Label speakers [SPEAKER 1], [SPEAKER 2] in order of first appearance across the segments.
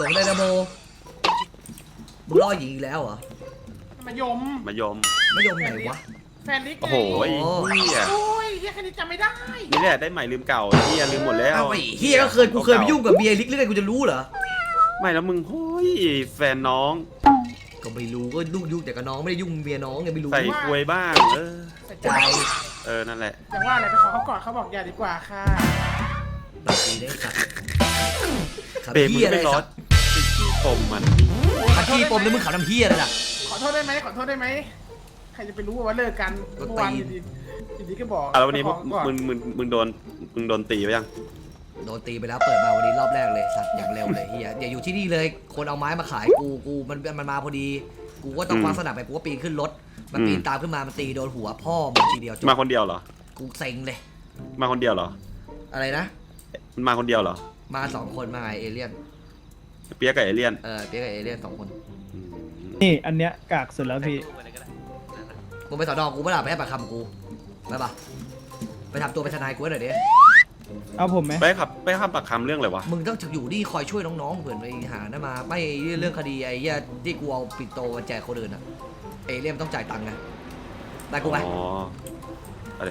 [SPEAKER 1] ลงไดนาโมมึงล่อหญิงอีกแล้วเหรอ
[SPEAKER 2] มายม
[SPEAKER 3] มายม
[SPEAKER 1] ไม่ยอมไหนวะ
[SPEAKER 2] แฟนลิกไง
[SPEAKER 3] โอ้โหเฮีย
[SPEAKER 2] โอ้ยเฮียแค่นี้จำไม่ได้
[SPEAKER 3] นี่แหละได้ใหม่ลืมเก่าเฮียลืมหมดแล้ว
[SPEAKER 1] เอาไอ้เฮียก็เคยกูเคยไปยุ่งกับเบียร์ลิกหรือไงกูจะรู้เหรอ
[SPEAKER 3] ไม่แล้วมึงโอ้ยแฟนน้อง
[SPEAKER 1] ก็ไม่รู้ก็ยุ่งแต่กับน้องไม่ได้ยุ่งเมียน้องไงไม่รู้
[SPEAKER 3] ใส่ควยบ้าง
[SPEAKER 1] ใจ
[SPEAKER 2] ใจ
[SPEAKER 3] นั่นแหละ
[SPEAKER 2] แต่ว่าอะไรไปขอเขาก่อนเขาบอกอย่าดีกว่าค่ะ
[SPEAKER 1] บางทีได้ขัดขัด
[SPEAKER 3] เบรกมึ
[SPEAKER 1] เฮี
[SPEAKER 3] ง
[SPEAKER 1] ยอะไร
[SPEAKER 3] ไม่ร้อ
[SPEAKER 1] สั
[SPEAKER 3] น
[SPEAKER 1] ตว์
[SPEAKER 3] ขี้ปมมัน
[SPEAKER 1] ขัดที่ปมแล้วมึงขัดน้ำเฮียอะไรล่ะ
[SPEAKER 2] ขอโทษได้ไหมขอโทษได้ไหมใครจะไปรู้ว่าเลิกกัน
[SPEAKER 1] ก็
[SPEAKER 2] เมื่อวาน
[SPEAKER 1] ตี
[SPEAKER 2] อยู่ดีก็บอก
[SPEAKER 3] แล้ววันนี้
[SPEAKER 2] ขอก่อน
[SPEAKER 3] มึงโดนตีไปยัง
[SPEAKER 1] โดนตีไปแล้วเปิดมาวันนี้รอบแรกเลยสัตว์อย่างเร็วเลยเฮียอย่าอยู่ที่นี่เลยคนเอาไม้มาขายกูมันมาพอดีกูก็ต้องคว้าสนับไปกูก็ปีนขึ้นรถมันปีนตามขึ้นมามันตีโดนหัวพ่อมึงทีเดียวจบ
[SPEAKER 3] มาคนเดียวเหรอ
[SPEAKER 1] กูเซ็งเลย
[SPEAKER 3] มาคนเดียวเหรอ
[SPEAKER 1] อะไรนะ
[SPEAKER 3] มันมาคนเดียวเหรอ
[SPEAKER 1] มา2 คนมาไงเอเลี่ยน
[SPEAKER 3] เปียกกับเอเลี่ยน
[SPEAKER 1] เปียกกับเอเลี่ยน2 คน
[SPEAKER 3] อืม
[SPEAKER 4] นี่อันเนี้ยกากสุดแล้วพี่
[SPEAKER 1] มึงไปสอนอกูไม่ได้ไปให้ปากคำกูไปปะไปทำตัวเป็นทนายกูหน่อยดิ
[SPEAKER 4] เอาผมไหม
[SPEAKER 3] ไปขับปากคำเรื่องอะไรวะ
[SPEAKER 1] มึงต้องอยู่นี่คอยช่วยน้องๆเผื่อไปหานั่นมาไม่เรื่องคดีไอ้เหี้ยที่กูเอาปิดโตมาแจกคนอื่นอะเอเลี่ยนต้องจ่ายตังค์ไงได้กูไหม
[SPEAKER 3] อ๋ออะไร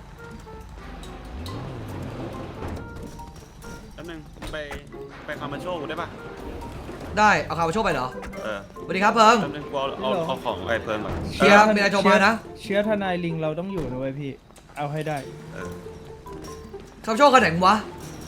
[SPEAKER 3] แป๊บนึงไปคามาโชว์กูได้ปะ
[SPEAKER 1] ได้เอาข่าวมาโชว์ไปเหรอ
[SPEAKER 3] เออ
[SPEAKER 1] สวัสดีครับเพิง
[SPEAKER 3] แป๊บนึงกูเอาของไอ้เพิ่มก่อน
[SPEAKER 1] เชียร์มีอะไรโทรมานะ
[SPEAKER 4] เชื้อทนายลิงเราต้องอยู่นะเว้ยพี่ เอาให้ได้
[SPEAKER 3] เออ
[SPEAKER 1] ข่าวโชว์กันไหนมึงวะ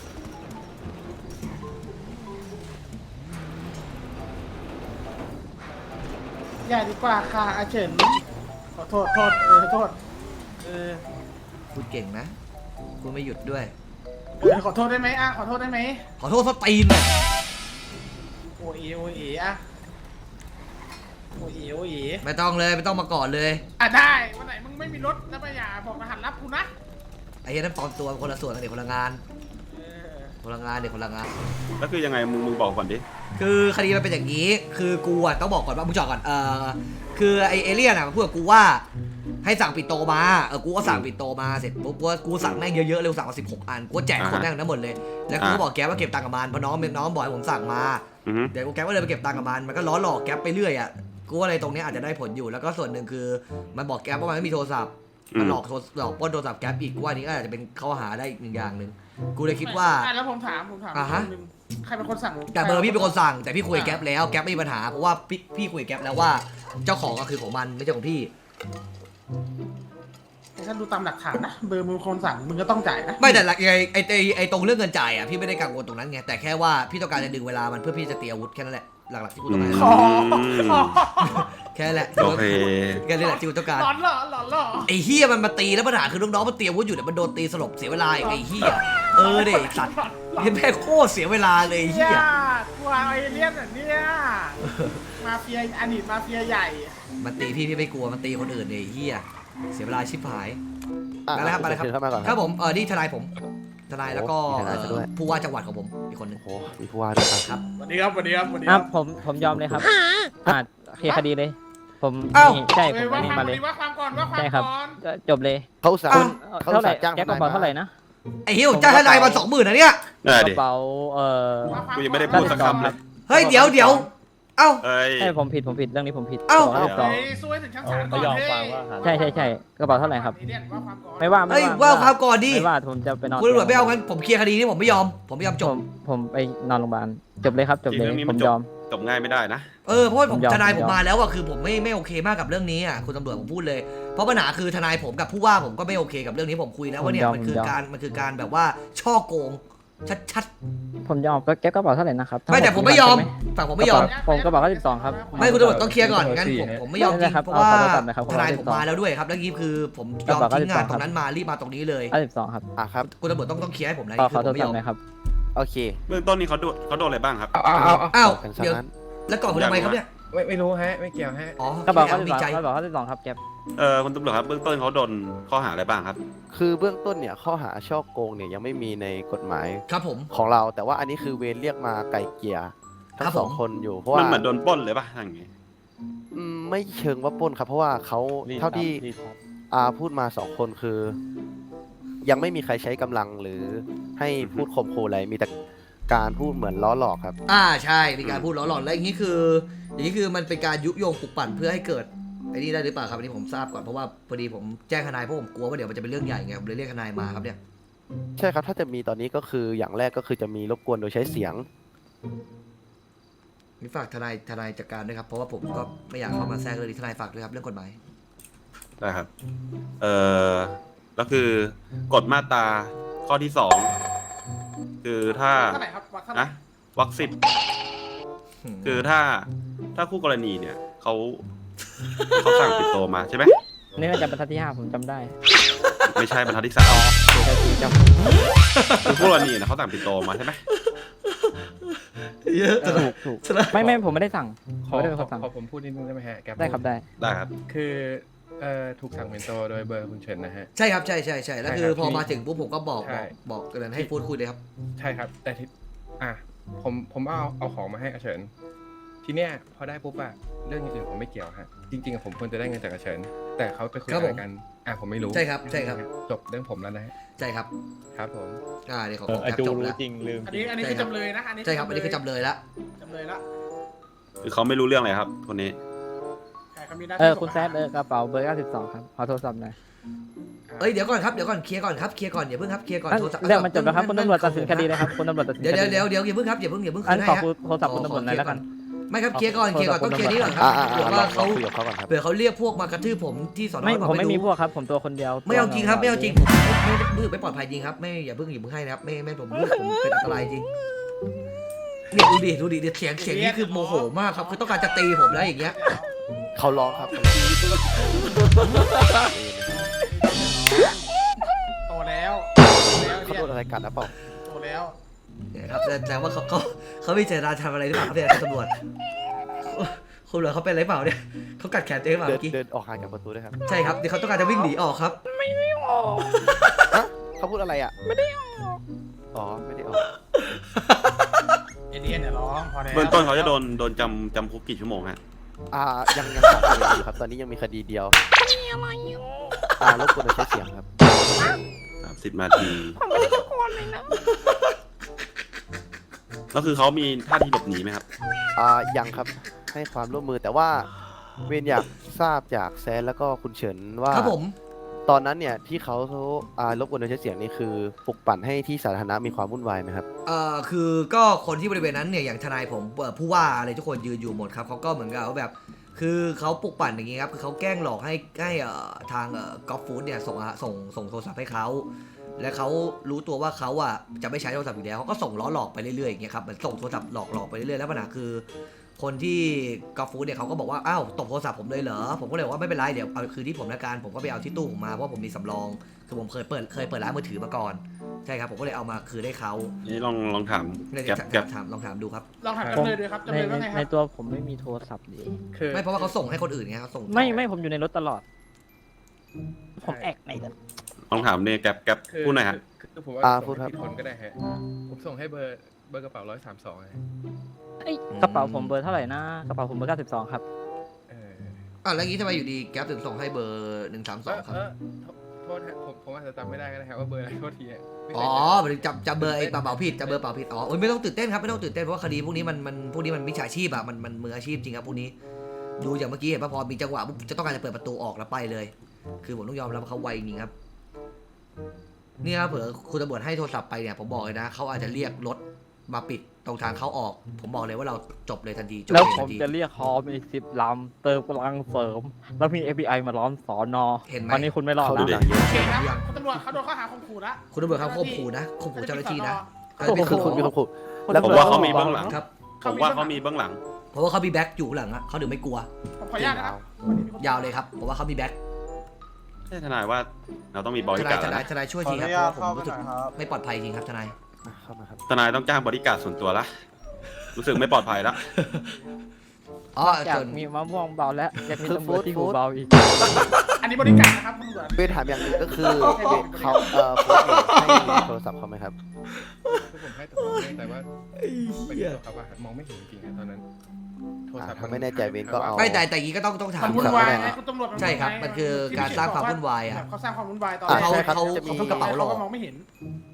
[SPEAKER 2] อย่าดีกว่าค่ะอาเฉินขอโทษโทษเออ
[SPEAKER 1] พูดเก่งนะกูไม่หยุดด้วย
[SPEAKER 2] ขอโทษได้ไหมอ่ะขอโทษได้ไหม
[SPEAKER 1] ขอโทษสตีนเลย
[SPEAKER 2] โอเออ่ะโอเอ
[SPEAKER 1] ไม่ต้องเลยไม่ต้องมาก่อนเลย
[SPEAKER 2] อ่ะได้วันไหนมึงไม่มีรถแล้วไปอย่าบอกรหัสลับกูนะ
[SPEAKER 1] ไอ้เหี้ยนั่นปลอมตัวคนละส่วนกันเด็กคนละงาน
[SPEAKER 2] เออ
[SPEAKER 1] คนละงานเด็กคนละงาน
[SPEAKER 3] แล้วคือยังไงมึงบอกก่อนดิ
[SPEAKER 1] คือคดีมันเป็นอย่างนี้ คือกูอะต้องบอกก่อนว่ามึงจอดก่อนคือไอเอเลี่ยนอะมันพูดกับกูว่าให้สั่งปิดโตมากูก็สั่งปิดโตมาเสร็จปุ๊บกูสั่งแม่งเยอะๆเลยสั่งมา16 อันกูแจกคนแม่งทั้งหมดเลยแล้วกูก็บอกแกว่าเก็บตังค์กับมันเพราะน้องบอกให้ผมสั่งมา
[SPEAKER 3] อือฮึ
[SPEAKER 1] เดี๋ยวกูแกก็เลยไปเก็บตังค์กับมันก็ล้อหลอกแก๊ปไปเรื่อยอะกูว่าอะไรตรงนี้อาจจะได้ผลอยู่แล้วก็ส่วนหนึ่งคือมันบอกแก๊ปว่ามันไม่มีโทรศัพท์มันหลอกปล้นโทรศัพท์แก๊ปอีกกูว่านี้ก็อาจจะเป็นข้อหาได้อีกหนึ่งอย่างหนึ่งกูเลยคิดว่า
[SPEAKER 2] อ่ะแล้วผมถาม
[SPEAKER 1] อ่าฮะ
[SPEAKER 2] นึงใครเป็นคนสั่ง
[SPEAKER 1] แต่เบอร์พี่เป็นคนสั่งแต่พี่คุยกับแก๊ปแล้วแก๊ปไม่มีปัญหาเพราะว่าพี่คุยกับแก๊ปแล้วว่าเจ้าของก็คือของมันไม่ใช่ของพี่
[SPEAKER 2] ถ้าดูตามหลักฐานนะเบอร์มึงคนสั่งมึงก็ต้องจ่ายนะ
[SPEAKER 1] ไม่แต่ไอ้ตรงเรื่องเงินจ่ายอ่ะพี่ไม่ได้กังวลตรงนั้นไงแต่แค่ว่าพี่ต้องการจะดึงเวลามันเพื่อพี่จะตีอาวุธแค่นั้นแหละหลักๆที่กูต้องการ
[SPEAKER 2] อ๋อ
[SPEAKER 1] แค่นั้นแหละ
[SPEAKER 3] โอเค
[SPEAKER 1] แค่นี้แหละที่กูต้องการ
[SPEAKER 2] หลอนเหรอหลอนเหรอ
[SPEAKER 1] ไอ้เฮียมันมาตีแล้วปัญหาคือน้องๆมันเตรียมอาวุธอยู่แต่มันโดนตีสลบเสียเวลาอีกไอ้เฮียเด็กสัตว์เห็นแม่โคตรเสียเวลาเลยไอ้เฮี
[SPEAKER 2] เฮี
[SPEAKER 1] ย
[SPEAKER 2] ยกลัวไอเลี่ยนแบบเนี้ยมาเฟียอดีตมาเฟียใหญ่
[SPEAKER 1] มันตีพี่ไม่กลัวมันตีคนอื่นเลยไอ้เฮียเสียเวลาชิบหาย
[SPEAKER 5] อ่ะ
[SPEAKER 1] มาแล้วครับมาแล้วครับ
[SPEAKER 5] เชิญเข้ามาก่อน
[SPEAKER 1] ครับผมนี่ทนายผมทนายแล้วก็
[SPEAKER 5] โอ้มีทนายซะด้วย
[SPEAKER 1] ผู้ว่าจังหวัดของผมอีกคนหนึง
[SPEAKER 5] โอ้โหมีผู้ว่าด้วยครับ
[SPEAKER 1] ครับ
[SPEAKER 2] สวัสดีครับสวัสดีครับสวัสดี
[SPEAKER 6] ค
[SPEAKER 2] ค
[SPEAKER 6] รั
[SPEAKER 2] รั
[SPEAKER 6] บบ ผมยอมเลยครับเคลียร์คดีเลย ผม
[SPEAKER 1] เอ้า
[SPEAKER 6] นี่ใช่ผ
[SPEAKER 2] เอ้ย
[SPEAKER 6] ม
[SPEAKER 2] ว่า
[SPEAKER 6] นี่
[SPEAKER 2] ความ
[SPEAKER 6] มาเลย
[SPEAKER 2] ว่าความก่อนว่าความ
[SPEAKER 6] ใช่ครับ
[SPEAKER 2] ก่อน
[SPEAKER 6] ก็จบเลย
[SPEAKER 5] เขาอุตสา
[SPEAKER 1] อ้าว
[SPEAKER 5] ห์เขาอุ
[SPEAKER 6] เท่า
[SPEAKER 5] ต
[SPEAKER 6] ไหร่
[SPEAKER 5] ส่าห์จ้าง
[SPEAKER 6] แก๊ปก
[SPEAKER 5] ท
[SPEAKER 6] ระ
[SPEAKER 5] นาย
[SPEAKER 6] เป๋า
[SPEAKER 5] มา
[SPEAKER 6] เท่าไหร่นะ
[SPEAKER 1] ไอ้เหี้ยผมจ้างทนายมา20,000นะเนี่ย
[SPEAKER 3] ได้
[SPEAKER 6] ก
[SPEAKER 3] ดิ
[SPEAKER 6] ระเป๋า
[SPEAKER 2] ว่าความ
[SPEAKER 3] กูยังไม่ได้
[SPEAKER 2] ก่
[SPEAKER 3] พู
[SPEAKER 2] อน
[SPEAKER 3] ดสักคำเลย
[SPEAKER 1] เฮ้ยเดี๋ยวเอ้า
[SPEAKER 3] เอ้ย
[SPEAKER 6] ใช่ผมผิดเรื่องนี้ผมผิด
[SPEAKER 1] เอ้า
[SPEAKER 6] กระเป๋า
[SPEAKER 2] เฮ้ยสู้ให้ถึงชั้นศาลก่อนเฮ้ย
[SPEAKER 6] ใช่กระเป๋าเท่าไหร่ครับ
[SPEAKER 2] ไอ้เลี่ยนว่าความก่อน
[SPEAKER 6] ไม่ว่า
[SPEAKER 1] เฮ้ยว่าความก่อนดิ
[SPEAKER 6] ไม่ว่าผมจะไปนอน
[SPEAKER 1] คุณตำรวจไม่เอางั้นผมเคลียร์คดีนี้ผมไม่ยอมจ
[SPEAKER 6] ผ
[SPEAKER 1] บ
[SPEAKER 6] มไปนอนโรงพยาบาลจบเลยครับจบเลยผมยอม
[SPEAKER 3] จบง่ายไม่ได้นะ
[SPEAKER 1] เพราะว่าผม
[SPEAKER 6] ผมยอม
[SPEAKER 1] ทนายผมมาแล้วอะคือผมไม่โอเคมากกับเรื่องนี้อะคุณตำรวจผมพูดเลยเพราะปัญหาคือทนายผมกับผู้ว่าผมก็ไม่โอเคกับเรื่องนี้ผมคุยแล้วว่าเนี่ยมันคือการแบบว่าช่อโกงชัด
[SPEAKER 6] ผมยอมก็แก๊ปกระเป๋าเท่าไหร่นะครับ
[SPEAKER 1] ๆไม่แต่ผมไม่ยอมฝั่งผมไม่ยอม
[SPEAKER 6] ผมกระเป๋า92ครับ
[SPEAKER 1] ไม่คุณตำรวจต้องเคลียร์ก่อนงั้นผมไม่ยอมจริงเพราะว่า
[SPEAKER 6] ขอโทษครับนะครับ
[SPEAKER 1] ทนายผมมาแล้วด้วยครับแล้วนี้คือผมยอมทิ้งงานตรงนั้นมารีบมาตรงนี้เลย
[SPEAKER 6] 92ครับ
[SPEAKER 5] อ่ะครับ
[SPEAKER 1] คุณตำรวจต้องเคลียร์ให้ผมนะ
[SPEAKER 6] ขอ
[SPEAKER 1] คือ
[SPEAKER 6] โท
[SPEAKER 1] ผ
[SPEAKER 6] ษ
[SPEAKER 1] มไม่ยอม
[SPEAKER 6] นะครับ
[SPEAKER 5] โอเค
[SPEAKER 3] เบื้องต้นนี้เขาโดนอะไรบ้างครับ
[SPEAKER 1] อ้าว
[SPEAKER 5] กันซะ
[SPEAKER 1] เดี๋ยว
[SPEAKER 5] นั้น
[SPEAKER 1] แล้วก่อนคุณทำไมครับเนี่ย
[SPEAKER 7] ไม่รู้ฮะ ไม่เกี่ยวฮะ
[SPEAKER 1] อ๋อก
[SPEAKER 6] ระเป๋า
[SPEAKER 1] มีใจ
[SPEAKER 6] 92ครับแก๊ป
[SPEAKER 3] คุณตำรวจครับเบื้องต้นเขาโดนข้อหาอะไรบ้างครับ
[SPEAKER 5] คือเบื้องต้นเนี่ยข้อหาช่อโกงเนี่ยยังไม่มีในกฎหมาย
[SPEAKER 1] ครับผม
[SPEAKER 5] ของเรา แต่ว่าอันนี้คือเวรเรียกมาไกลเกลี่ยทั้
[SPEAKER 1] ครั
[SPEAKER 5] ง
[SPEAKER 1] บ
[SPEAKER 5] สอง
[SPEAKER 1] ผม
[SPEAKER 5] คนอยู่เพราะว่า
[SPEAKER 3] มันเหมือนโดนปล้นเลยป่ะอย่างงี้
[SPEAKER 5] ไม่เชิงว่าปล้นครับ เพราะว่าเขาเท่าที่พูดมาสองคนคือ ยังไม่มีใครใช้กำลังหรือให้พูดข่มขู่อะไรมีแต่การพูดเหมือนล้อหลอกครับ
[SPEAKER 1] ใช่มีการพูดล้อหลอนแล้วอย่างนี้คือมันเป็นการยุยงปลุกปั่นเพื่อให้เกิดไอ้นี่ได้หรือเปล่าครับอันนี้ผมทราบก่อนเพราะว่าพอดีผมแจ้งทนายเพราะผมกลัวว่าเดี๋ยวมันจะเป็นเรื่องใหญ่ไงผมเลยเรียกทนายมาครับเนี่ย
[SPEAKER 5] ใช่ครับถ้าจะมีตอนนี้ก็คืออย่างแรกก็คือจะมีรบกวนโดยใช้เสียง
[SPEAKER 1] มีฝากทนายจัดการด้วยครับเพราะว่าผมก็ไม่อยากเข้ามาแทรกเลยทนายฝากด้วยครับเรื่องกฎหมาย
[SPEAKER 3] ได้ครับ แล้วคือกฎมาตราข้อที่2คือถ้า
[SPEAKER 2] เท่าไหร่ครับวัดเท่าไหร่
[SPEAKER 3] นะวรรค10คือถ้าคู่กรณีเนี่ยเขาสั่งปิดโตมาใช่ไหม
[SPEAKER 6] นี่น่าจะบรรทัดที่ 5ผมจำได้
[SPEAKER 3] ไม่ใช่บรรทัดที่
[SPEAKER 6] เดี๋ยวจะจำ
[SPEAKER 3] 3คือคู่กรณีเนี่ยเขาสั่งปิดโตมาใช่ไหม
[SPEAKER 1] เยอะ
[SPEAKER 6] ถูกไม่ผมไม่ได้สั่ง
[SPEAKER 7] ข
[SPEAKER 6] ผม
[SPEAKER 7] อ
[SPEAKER 6] ไม่ได้เป็นคนสั่ง
[SPEAKER 7] ผมพูดนิดนึงได้ไหมฮะแก
[SPEAKER 6] ได้ครับได้
[SPEAKER 3] ได้ครับ
[SPEAKER 7] คือถูกสั่งเป็นโตโดยเบอร์คุณเฉินนะฮะ
[SPEAKER 1] ใช่ครับใช่แล้วคือ
[SPEAKER 7] ใช่ครับ
[SPEAKER 1] พอมาถึงปุ๊บผมก็บอก
[SPEAKER 7] ใช่
[SPEAKER 1] กันนั้นให้พูดคุยเลยครับ
[SPEAKER 7] ใช่ครับ แต่ที่ผมเอาของมาให้อาเฉิน ทีเนี้ยพอได้ปุ๊บอะเรื่องอย่างอื่นผมไม่เกี่ยวฮะ จริงๆผมควรจะได้เงินจากอาเฉิน แต่เขาไปคุย
[SPEAKER 1] ครับ
[SPEAKER 7] อะ
[SPEAKER 1] ผ
[SPEAKER 7] ไร
[SPEAKER 1] ม
[SPEAKER 7] กันผมไม่รู้
[SPEAKER 1] ใช่ครับใช่ครับ
[SPEAKER 7] จบเรื่องผมแล้วนะฮะ
[SPEAKER 1] ใช่ครับ
[SPEAKER 7] ครับผม
[SPEAKER 1] เดี๋ยวขอ
[SPEAKER 8] อา
[SPEAKER 1] แคป
[SPEAKER 8] จู
[SPEAKER 1] จบ
[SPEAKER 8] รู้
[SPEAKER 1] แล้ว
[SPEAKER 8] จริงลืม
[SPEAKER 2] อันนี้คือจำเลยนะอันนี้
[SPEAKER 1] ใช่ครับอันนี้คือจำเลยละ
[SPEAKER 2] จำเลยละ
[SPEAKER 3] คือเขาไม่รู้เรื่องเลยครับคนนี้
[SPEAKER 2] ใครเขามีหน้าที่
[SPEAKER 6] คุณแซดกระเป๋าเบอร์92ครับขอโทรศัพท์หน่อย
[SPEAKER 1] เดี๋ยวก่อนเคลียร์ก่อนอย่าเพิ่งครับเคลียร์ก่อนโทรศัพท์
[SPEAKER 6] เรื่องมันจบแล้วครับคุณตำรวจตัดสินคดีเลยครับคุณตำรวจตัดสินค
[SPEAKER 1] เดี๋ยว
[SPEAKER 6] ดี
[SPEAKER 1] อย่าเพิ่งครับอย่าเพิ่งคื
[SPEAKER 6] อัน
[SPEAKER 1] น
[SPEAKER 6] ข
[SPEAKER 1] ให้
[SPEAKER 6] อ
[SPEAKER 1] ฮะ
[SPEAKER 6] โทรศัพท์คุณตำรวจหน่อยแล้วกัน
[SPEAKER 1] ไม่ครับเคลียร์ก่อนต้องเคลียร์นี้ก่อนครับ
[SPEAKER 5] อ่า
[SPEAKER 1] เผื่อว่าเขา
[SPEAKER 5] คุยกับเขาก่อนครับ
[SPEAKER 1] เผื่อเขาเรียกพวกมากระทืบผมที่สอนอ
[SPEAKER 6] ผมไม่มีพวกครับผมตัวคนเดียว
[SPEAKER 1] ไม่เอาจริงครับไม่เอาจริงผมไม่ปลอดภัยจริงครับไม่อย่าเพิ่งให้นะครับไม่ผมเป็นอันตรายจริงเนี่ยดูดิเสียงนี้คือโมโหมากครับคือต้องการจะตีผมแล้วอย่างเงี้ย
[SPEAKER 5] เขาร้องครับ
[SPEAKER 2] โตแล้ว
[SPEAKER 5] เขาโดนอะไรกันนะเปล่า
[SPEAKER 2] โตแล้ว
[SPEAKER 1] เนี่ยครับแต่ว่าเขาไม่เจตนาทำอะไรหรือเปล่าครับเนี่ยคุณตำรวจคุณเหรอเขาเป็นอะไรเปล่าเนี่ยเขากัดแขนตัวเองเปล่าเมื่อกี้
[SPEAKER 5] เดินออกห่างจากประตูด้วยครับ
[SPEAKER 1] ใช่ครับเดี๋ยวเขาต้องการจะวิ่งหนีออกครับ
[SPEAKER 5] ฮะเขาพูดอะไรอ่ะไม่ได้ออกอ๋อไม่ได้ออก
[SPEAKER 2] เอเดียนเนี่ยร้องพอแล้ว
[SPEAKER 3] เบื้องต้นเขาจะโดนจำคุกกี่ชั่วโมงฮะ
[SPEAKER 5] ยังสอบสวนอยู่ครับตอนนี้ยังมีคดีเดียวรบกวนโดยใช้เสียงครับ
[SPEAKER 3] 30 นาทีแล้วคือเขามีท่าทีหลบหนีไหมครับ
[SPEAKER 5] ยังครับให้ความร่วมมือแต่ว่าเวนอยากทราบจากแซนแล้วก็คุณเฉินว่า
[SPEAKER 1] ครับผม
[SPEAKER 5] ตอนนั้นเนี่ยที่เขารบกวนโดยใช้เสียงนี่คือปลุกปั่นให้ที่สาธารณะมีความวุ่นวายไหมครับ
[SPEAKER 1] คือก็คนที่บริเวณนั้นเนี่ยอย่างทนายผมผู้ว่าอะไรทุกคนยืนอยู่หมดครับเขาก็เหมือนกับว่าแบบคือเขาปลุกปั่นอย่างงี้ครับคือเขาแกล้งหลอกให้ทางกอล์ฟฟู้ดเนี่ยส่งโทรศัพท์ให้เขาและเขารู้ตัวว่าเขาจะไม่ใช้โทรศัพท์อีกแล้วเขาก็ส่งล้อหลอกไปเรื่อยๆอย่างเงี้ยครับเหมือนส่งโทรศัพท์หลอกไปเรื่อยๆแล้วปัญหาคือ คนที่กอล์ฟฟู้ดเนี่ยเขาก็บอกว่าอ้าวตบโทรศัพท์ผมเลยเหรอผมก็เลยบอกว่าไม่เป็นไรเดี๋ยวเอาคืนที่ผมละกันผมก็ไปเอาที่ตู้ผมมาเพราะผมมีสำรองคือผมเคยเปิดร้านมือถือมาก่อนใช่ครับผมก็เลยเอามาคืนให้เขา
[SPEAKER 3] นี่ลองถาม
[SPEAKER 1] เนี่ย
[SPEAKER 3] แก๊ป
[SPEAKER 1] ลองถามดูครับ
[SPEAKER 2] ลองถามจำเลยด้วยครับจำเลยว่าไงค
[SPEAKER 6] ใน
[SPEAKER 2] รับ
[SPEAKER 6] ตัวผมไม่มีโทรศัพท์ดิ
[SPEAKER 7] คือ
[SPEAKER 1] ไม่เพราะว่าเขาส่งให้คนอื่นไงเขาส่ง
[SPEAKER 6] ไม่ผมอยู่ในรถตลอด ผมแอกในรถ
[SPEAKER 3] ลองถามเนี่ยแก๊ปพูดหน่อยฮะ
[SPEAKER 7] คือผมว่า
[SPEAKER 5] พูดครับ
[SPEAKER 7] ผิดคนก็ได้ฮะผมส่งให้เบอร์กระเป๋า132ฮะ
[SPEAKER 6] กระเป๋าผมเบอร์เท่าไหร่นะกระเป๋าผมเบอร์92ครับ
[SPEAKER 1] แล้วอย่างนี้ทำไมอยู่ดีแก๊ปถึงส่งให้เบอร์132ครับ
[SPEAKER 7] โทษฮะผมอาจจะจำไม่ได้ก็ได้ครับว่าเบอร์อะไรโทษทีฮะไม่
[SPEAKER 1] อ๋
[SPEAKER 7] เค
[SPEAKER 1] อย จำเบอร์ไอ้เป๋าผิดจำเบอร์เป๋าผิดอ๋อไม่ต้องตื่นเต้นครับไม่ต้องตื่นเต้นเพราะว่าคดีพวกนี้มันมิจฉาชีพมันมืออาชีพจริงครับพวกนี้ดูอย่างเมื่อกี้เห็นป่ะพอมีจังหวะปุ๊บจะต้องการจะเปิดประตูออกแล้วไปเลย คือผมต้องยอมรับว่าเขาไวจริงครับนี่ครับเผื่อคุณตำรวจให้โทรศัพท์ไปเนี่ยผมบอกเลยนะเขาอาจจะเรียกรถมาปิดตรงทางเข้าออก ผมบอกเลยว่าเราจบเลยทันทีจบ
[SPEAKER 6] แล้ว
[SPEAKER 1] เลย
[SPEAKER 6] ผ
[SPEAKER 1] ทั
[SPEAKER 6] ม
[SPEAKER 1] นที
[SPEAKER 6] จะเรียกฮอมอีก10 ลำเติมกำลังเสริม แล้วมี FBI มาล้อมสอนอ
[SPEAKER 1] เห็นไหม
[SPEAKER 6] ตอนนี้คุณไม่รอด
[SPEAKER 5] เขา
[SPEAKER 6] แล้
[SPEAKER 5] ดู
[SPEAKER 6] ว
[SPEAKER 5] หนังเยอะ
[SPEAKER 2] โอเคครับคุณตำรวจเขาโดนข้อหาข่มขู่ละ
[SPEAKER 1] คุณตำรวจครับข่มขู่นะข่มขู่เจ้าหน้าที่นะ
[SPEAKER 5] คือคุณมีความขู่
[SPEAKER 3] ผมว่าเขามีเบื้องหลัง
[SPEAKER 1] ครับ
[SPEAKER 3] ผมว่าเขามีเบื้องหลัง
[SPEAKER 1] เพราะว่าเขามีแบ็คอยู่หลังอะเขาถึงไม่กลัว
[SPEAKER 2] ผมขออนุญาตนะครับ
[SPEAKER 1] ยาวเลยครับผมว่าเขามีแบ็ค
[SPEAKER 3] ใช่ทนายว่าเราต้องมีบ
[SPEAKER 1] ท
[SPEAKER 3] ริ
[SPEAKER 1] นาย
[SPEAKER 3] การ
[SPEAKER 1] ท
[SPEAKER 3] แล้ว
[SPEAKER 1] นาย
[SPEAKER 3] นะ
[SPEAKER 1] ทนายช่วยทีครับเพราะว่าผมรู้สึกไม่ปลอดภัยจริงครับทนาย
[SPEAKER 5] เข้ามาครับ
[SPEAKER 3] ทนายต้องจ้างบริการส่วนตัวละรู้สึกไม่ปลอดภัยละ
[SPEAKER 1] อ๋อ
[SPEAKER 6] อยาก
[SPEAKER 1] ส่วน
[SPEAKER 6] มีมะม่วงเบาแล้วอยากมีตำรวจที่หูเบาอีก
[SPEAKER 2] อันนี้บริการนะครับคุณตำรวจ
[SPEAKER 5] เวนถามอย่างหนึงก็คือเวนเขาโพสต์ให้โทรศัพท์เขาไหมครับ
[SPEAKER 7] คือผมให้แต่ว่าไปที่ตัวเขาอะมองไม่เห็นจริงๆตอนนั้นโทรศัพท์
[SPEAKER 5] ถ้าไม่แน่ใจเวนก็เอา
[SPEAKER 1] ไม่แต่อย่างนี้ก็ต้องถาม
[SPEAKER 2] มันวุ่นวายไงคุณตำรวจ
[SPEAKER 1] ใช่ครับมันคือการสร้างความวุ่นวายอะ
[SPEAKER 2] เขาสร้างความวุ่นวายตอน
[SPEAKER 5] ใช่ครับ
[SPEAKER 1] เขา
[SPEAKER 5] จะมี
[SPEAKER 1] เขากระเป๋าหลอก
[SPEAKER 2] เขาก็มองไม่เห็น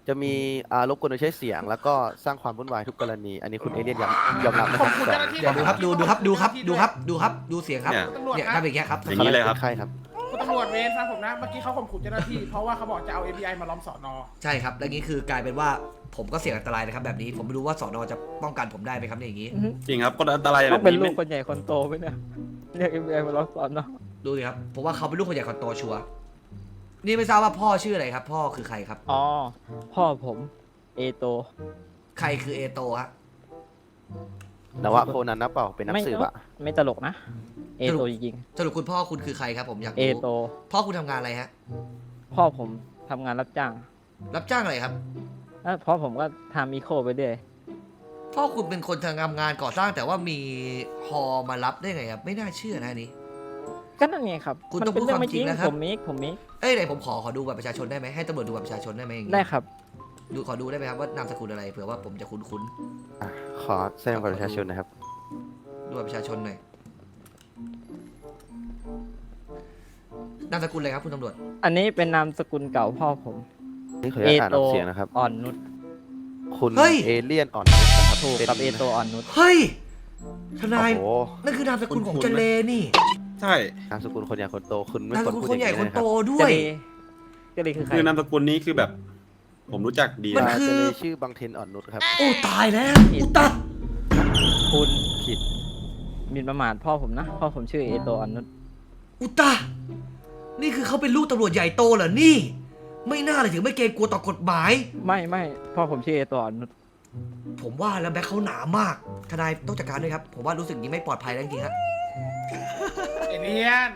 [SPEAKER 5] จะมีรบกวนโดยใช้เสียง แล้วก็สร้างความวุ่นวายทุกกรณี อันนี้คุณเอเลี่ยนยอมรับนะค
[SPEAKER 2] ข
[SPEAKER 5] รั
[SPEAKER 2] อบบ คุณเจ้าหน้าที่
[SPEAKER 1] เดี๋ยวดูครับดูเสียงครับ
[SPEAKER 3] เนี่ย
[SPEAKER 2] ตำรวจ
[SPEAKER 1] เนี่ย
[SPEAKER 2] ค
[SPEAKER 1] ทำ
[SPEAKER 2] รับ
[SPEAKER 1] อย่างเงี้ยครับ
[SPEAKER 3] อย่างนี้เลยครับ
[SPEAKER 5] ใครครับ
[SPEAKER 2] คุณตำรวจเวรฟังผมนะเมื่อกี้เขาข่มขู่เจ้าหน้าที่เพราะว่าเขาบอกจะเอา API มาล้อมสอนอ
[SPEAKER 1] ใช่ครับ แล้วนี้คือกลายเป็นว่าผมก็เสี่ยงอันตรายนะครับแบบนี้ผมไม่รู้ว่าสอนอจะป้องกันผมได้ไหมครับเนี่ยอย่างนี้
[SPEAKER 3] จริงครับคนอันตรายแบ
[SPEAKER 6] ต้อบ งเป็น
[SPEAKER 3] นี้
[SPEAKER 6] ลู
[SPEAKER 3] ไม่
[SPEAKER 6] กคนใหญ่คนโตไหมเนี่ยเรียก FBI มาล้อมสอนเนาะ
[SPEAKER 1] ดูสิครับผมว่าเขาเป็นลูกคนใหญ่คนโตชัวร์นี่ไม่ทราบว่าพ่อชื่ออะไรครับ พ่อคือใครครับ
[SPEAKER 6] อ๋อพ่อผมเอโต
[SPEAKER 1] ใครคือเอโตฮะ
[SPEAKER 5] นวะโคนันนะเปล่า เป็นนักสืบอะ
[SPEAKER 6] ไม่ตลกนะ เอโตจริง
[SPEAKER 1] สรุปคุณพ่อคุณคือใครครับผมอยาก
[SPEAKER 6] ๆเอ
[SPEAKER 1] รู้
[SPEAKER 6] โต
[SPEAKER 1] พ่อคุณทำงานอะไรฮะ
[SPEAKER 6] พ่อผมทำงานรับจ้าง
[SPEAKER 1] รับจ้างอะไรครับ
[SPEAKER 6] แล้วพ่อผมก็ทำอีโคไปเรื่อย
[SPEAKER 1] พ่อคุณเป็นคนทำงานก่อสร้างแต่ว่ามีฮอมารับได้ไงครับไม่น่าเชื่อนะอันนี้
[SPEAKER 6] ก็นั่นไงครับ
[SPEAKER 1] คุณ
[SPEAKER 6] มั
[SPEAKER 1] ต้อง
[SPEAKER 6] เป็นเรื่องไม่
[SPEAKER 1] พูดความจริ
[SPEAKER 6] จริ
[SPEAKER 1] ง
[SPEAKER 6] ง
[SPEAKER 1] นะครับ
[SPEAKER 6] ผมมิก
[SPEAKER 1] เอ้ยไหนผมขอดูบัตรประชาชนได้ไหมให้ตำรวจดูบัตรประชาชนได้ไหมอย่างงี้
[SPEAKER 6] ได้ครับ
[SPEAKER 1] ดูขอดูได้ไหมครับว่านามสกุลอะไรเผื่อว่าผมจะคุ้น
[SPEAKER 5] อ่ะขอแสดงบัตรประชาชนนะครับ
[SPEAKER 1] ๆดูบัตรประชาชนหน่อยนามสกุลอะไรครับคุณตำรวจ
[SPEAKER 6] อันนี้เป็นนามสกุลเก่าพ่อผม
[SPEAKER 5] นี่ขออนุญาตอ่านออกเสียงนะครับ
[SPEAKER 6] อ่อนนุช
[SPEAKER 5] คุณเอเลี่ยนอ่อนนุชนะครับ
[SPEAKER 6] ถูก
[SPEAKER 5] เป็น
[SPEAKER 6] กับเอโตอ่อนนุช
[SPEAKER 1] เฮ้ยทนาย
[SPEAKER 5] โอ้โห
[SPEAKER 1] นั่นคือนามสกุลของ
[SPEAKER 3] คุ้นๆ
[SPEAKER 1] เจเลนี่
[SPEAKER 3] ใช่
[SPEAKER 5] นามสกุลคนใหญ่คนโต คุณไม่
[SPEAKER 1] นาม
[SPEAKER 5] ค
[SPEAKER 1] ส
[SPEAKER 5] วร
[SPEAKER 1] กุล
[SPEAKER 5] พูด
[SPEAKER 1] คนใหญ่
[SPEAKER 5] อย่าง
[SPEAKER 1] คน
[SPEAKER 5] นี้นะค
[SPEAKER 1] โต
[SPEAKER 5] รับ
[SPEAKER 1] ด้ว
[SPEAKER 6] เจ
[SPEAKER 1] ย
[SPEAKER 6] เลเจเลคือใคร
[SPEAKER 3] คือนามสกุลนี้คือแบบ ผมรู้จักดี
[SPEAKER 1] มัน
[SPEAKER 3] นะ
[SPEAKER 1] คือ
[SPEAKER 5] จะเลยชื่อบังเทนอ่อนนุชครับ
[SPEAKER 1] โอ้ตายแล้วอุตตะ
[SPEAKER 6] คุณ
[SPEAKER 5] ผิด
[SPEAKER 6] หมินประมาทพ่อผมนะ พ่อผมชื่อเอโตอ่อนนุช
[SPEAKER 1] อุตตะนี่คือเขาเป็นลูกตำรวจใหญ่โตเหรอนี่ ไม่น่าเลยถึงไม่เกรงกลัวต่อกฎหมาย
[SPEAKER 6] ไม่พ่อผมชื่อเอโตอ่อนนุช
[SPEAKER 1] ผมว่าแล้วแบ็คเขาหนามากทนายต้องจัดการด้วยครับผมว่ารู้สึกอย่างนี้ไม่ปลอดภัยแล้วจริงๆครับ
[SPEAKER 2] เอเลียน